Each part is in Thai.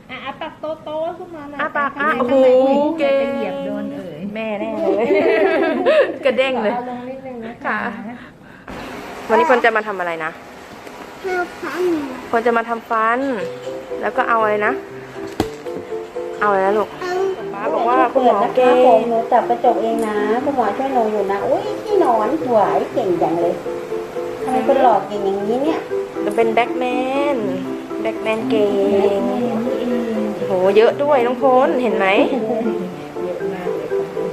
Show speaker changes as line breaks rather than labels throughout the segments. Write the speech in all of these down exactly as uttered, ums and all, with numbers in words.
อ่ะอ่ะปากโตโตขึ้นมาหน่อย
อ่ะปาก
ข้างใน
อ่ะโอ้โห
ข้างใน
เก่ง
จะเหยียบโดนเอ่ย
แม่แน่เลย กระเด้งเลย
อาลงนิดนึงนะคะ
ค่ะ วันนี้พลจะมาทำอะไรนะ
เพื่อพัน
พลจะมาทำฟัน แล้วก็เอาอะไรนะ เอาอะไรนะลูก
เอา
ป้าบอกว่าคุณหมอเก่
ผม
ง
หนูจับกระจกเองนะคุณหมอช่วยหนูอยู่นะอุ้ยที่นอนสวยเก่งจังเลยทำไมคุณหลอกเก่งอย่างนี้เนี่ย
จะเป็นแบ็กแมน แบ็กแมนเก่งโห เยอะด้วยน้องพลเห็นไหม
เยอะมากเลย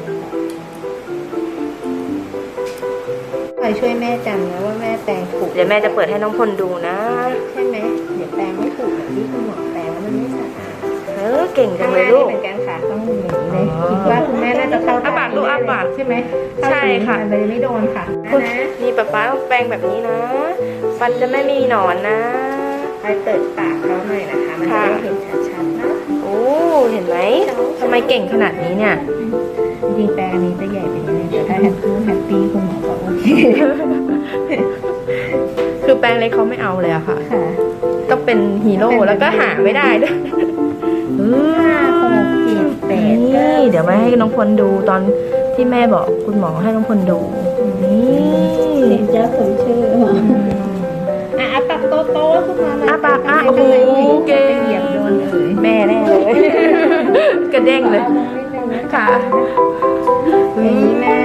คอยช่วยแม่จำนะว่าแม่แปลงถูก
เดี๋ยวแม่จะเปิดให้น้องพลดูนะ
ใช่ไหมเดี๋ยวแปลงไม่ถูกแบบที่คุณหมอแปลงแล้วมันไม่สะอาด
เออ เก่งจั
ข้าง ง
เล
หน้าย
ลู
นี่
ก
เหมือนกันค่ะต้องหนีเลย
อ๋อ
คิดว่าคุณแม่น่าจะเข้า
อ้าปากดูอ้าปาก
ใช่ไหม
ใช่ค่ะ
เข้าถึงมันเลยไม่โดนค่ะ
คุณ
นะ
นี่ป๊าป๊าต้องแปรงแบบนี้นะ ฟันจะไม่มีหนอนนะ
ไปเปิดปากเขาหน่อยนะคะมันจะได้เห็นชัดๆนะ
โอ้ เห็นไหมทำไมเก่งขนาดนี้เนี่ย
จริงๆแปลงอันนี้จะใหญ่ไปนิดนึงแต่ถ้าแฮปปี้แฮปปี้คุณหมอบอกโอเค
คือแปรงเล็กเขาไม่เอาเลยอะค่ะ
ค่ะ
ก็เป็นฮีโร่แล้วก็หาไม่ได้ด้วยเออ
ห้าหกเจ็ดแปด
นี่
เก้า
เดี๋ยวมาให้น้องพลดูตอนที่แม่บอกคุณหมอให้น้องพลดู นี่
เจ้าสมชื่อ
อ่ะอ่ะปากโตโตๆขึ้นมาหน่อย
อ่ะปากอ่ะ
ข้างใน
โอ้โห
ข้างใน
เก่ง
จะเหยียบโดนเอ่ย
แม่แน่เลย กระเด้งเลย
อาลงนิดนึงนะคะ
ค่ะ
อย่างนี้แม่